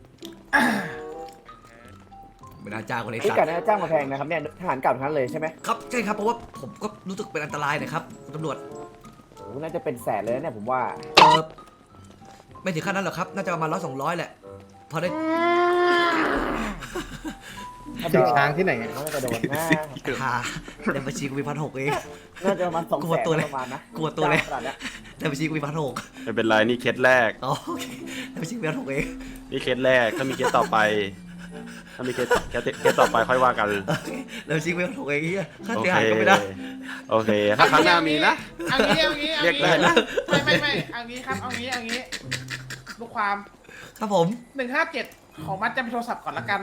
[SPEAKER 1] ไม่น่าจ้างคนเลย
[SPEAKER 8] นี่
[SPEAKER 1] สัต
[SPEAKER 8] การ
[SPEAKER 1] ว์
[SPEAKER 8] จ้างมาแพงนะครับเนี่ยทหารเก่าทั้งนั้นเลยใช่ไหม
[SPEAKER 1] ครับใช่ครับเพราะว่าผมก็รู้สึกเป็นอันตรายนะครับคุณตำรวจ
[SPEAKER 8] คุณน่าจะเป็นแสนเลยนะเนี่ยผมว่า
[SPEAKER 1] ไม่ถึงขั้นนั้นหรอกครับ น่าจะประมาณ100-200แหละ พอได้
[SPEAKER 2] ถึงช้างที่ไหน
[SPEAKER 8] น่าจะโดนนะ
[SPEAKER 1] หาในบัญชีกูมี1,600เอง
[SPEAKER 8] น่าจะประมาณ200,000
[SPEAKER 1] กลัวตัวเลย
[SPEAKER 8] ประมาณนะ
[SPEAKER 1] กลัวตัวเลย
[SPEAKER 8] ขนาดเนี้ย
[SPEAKER 1] ในบัญชีกูมี1,600
[SPEAKER 3] ไม่เป็นไรนี่เคสแรก
[SPEAKER 1] อ๋อโอเคในบัญชีกูมี1,600เอง
[SPEAKER 3] นี่เคสแรกถ้ามีเคสต่อไป ถ้ามีเคสต่อไปค่อยว่ากัน
[SPEAKER 1] โอเคในบัญชีกูมี1,600เองเฮียค่า
[SPEAKER 3] โอ
[SPEAKER 1] เสีย
[SPEAKER 3] เค
[SPEAKER 1] หายก็ไม่ได้
[SPEAKER 3] โอเค ถ้าครั้งหน้ามีนะ
[SPEAKER 2] เอางี้เอางี้
[SPEAKER 3] เรียกได้นะ
[SPEAKER 2] ไม่เอางี้ครับเอางี้ลูกความ
[SPEAKER 1] ครับผม
[SPEAKER 2] 157ของมัดจำโทรศัพท์ก่อนละกัน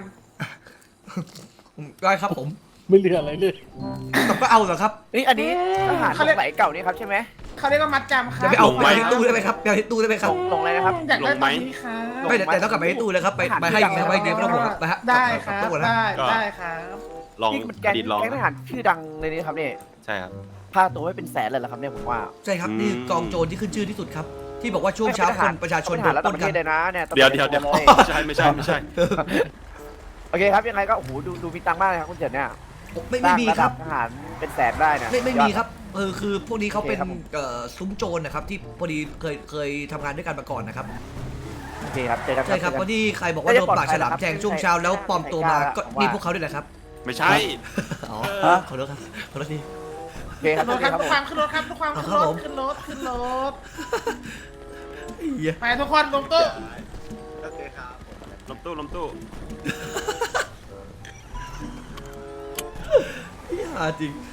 [SPEAKER 1] ได้ครับผม
[SPEAKER 2] ไม่เหลืออะไรเลย
[SPEAKER 1] แต่ก็เอาเหรอครับ
[SPEAKER 8] นี่อันนี้ทหารสมัยเก่านี่ครับใช่ไหม
[SPEAKER 2] เขาเรียกว่ามัดจำครั
[SPEAKER 1] จะ
[SPEAKER 2] บ
[SPEAKER 1] ไปเอา
[SPEAKER 3] ลงไห
[SPEAKER 1] ไป
[SPEAKER 3] ม
[SPEAKER 1] ที่ตู้ได้ไหมครับไปเอาที่ตู้ได้ไหมครับ
[SPEAKER 8] ลงอะไรนะครับ
[SPEAKER 2] อยากได้
[SPEAKER 3] ลงไหม
[SPEAKER 2] ตอนนี้ครับ
[SPEAKER 1] ไม่แต่ต้องกลับไปที่ตู้เลยครับไปให้นะไปเดี๋ยวไม่ต้องห่วงครับไปฮะ
[SPEAKER 2] ได้ค
[SPEAKER 1] กลั
[SPEAKER 2] รับ
[SPEAKER 1] ตู้ก่อนนะ
[SPEAKER 2] ได้ครับ
[SPEAKER 3] ลอง
[SPEAKER 8] นี่มัน
[SPEAKER 3] อ
[SPEAKER 8] แก๊ง
[SPEAKER 3] ดีตลอง
[SPEAKER 8] แก๊งทหารชื่อดังเลยนี่ครับเนี่ย
[SPEAKER 3] ใช่ครับ
[SPEAKER 8] ค่าตัวไม่เป็นแสนเลยเหรอครับเนี่ยผมว่า
[SPEAKER 1] ใช่ครับนี่กองโจรที่ขึ้นชื่อที่สุดครับ ที่บอกว่าช่วงเช้าคนประชาชน
[SPEAKER 8] โด
[SPEAKER 1] โด
[SPEAKER 8] น
[SPEAKER 1] น
[SPEAKER 8] ระ
[SPEAKER 1] ป
[SPEAKER 8] ดับ
[SPEAKER 1] ล้
[SPEAKER 8] ป
[SPEAKER 1] น
[SPEAKER 8] ระ
[SPEAKER 1] กั
[SPEAKER 8] เท
[SPEAKER 1] น
[SPEAKER 8] ศเลยนะเนี่ย
[SPEAKER 3] เดี๋ยว
[SPEAKER 8] เลย
[SPEAKER 3] ไม่ใช่ไม่ใช่
[SPEAKER 8] โอเคครับยังไงก็โอ้โหดูมีตังค์มากเลยครับคุณเจิดเนี่ย
[SPEAKER 1] ไม่มีครับ
[SPEAKER 8] ทหารเป็นแสนได้นะ
[SPEAKER 1] ไม่มีครับคือพวกนี้เขาเป็น
[SPEAKER 8] โอเคครับผม
[SPEAKER 1] ซุ้มโจรนะครับที่พอดีเคยทำงานด้วยกันมาก่อนนะครับ
[SPEAKER 8] โอเคครับเจอกัน
[SPEAKER 1] ใช่ครับ
[SPEAKER 8] เจอ
[SPEAKER 1] เพ
[SPEAKER 8] กัน
[SPEAKER 1] ราะที่ใครบอกว่าโดนปากฉลามแทงช่วงเช้าแล้วปลอมตัวมาก็นี่พวกเขาด้วยแหละครับ
[SPEAKER 3] ไม่ใช่
[SPEAKER 1] อ๋อขอโทษครับขอโทษที
[SPEAKER 8] โอเคครับ
[SPEAKER 2] รถครับ
[SPEAKER 8] โอ
[SPEAKER 2] ทุก
[SPEAKER 8] เค
[SPEAKER 2] ความขึ้นรถครับทุกความขึ้นร
[SPEAKER 1] ครับผ
[SPEAKER 2] ถ
[SPEAKER 1] ม
[SPEAKER 2] ขึ้นรถขึ้นรถ
[SPEAKER 1] เหี้ย
[SPEAKER 2] ไปทุกคนลงตู้
[SPEAKER 3] ลมตู้
[SPEAKER 1] เหี้ยจริง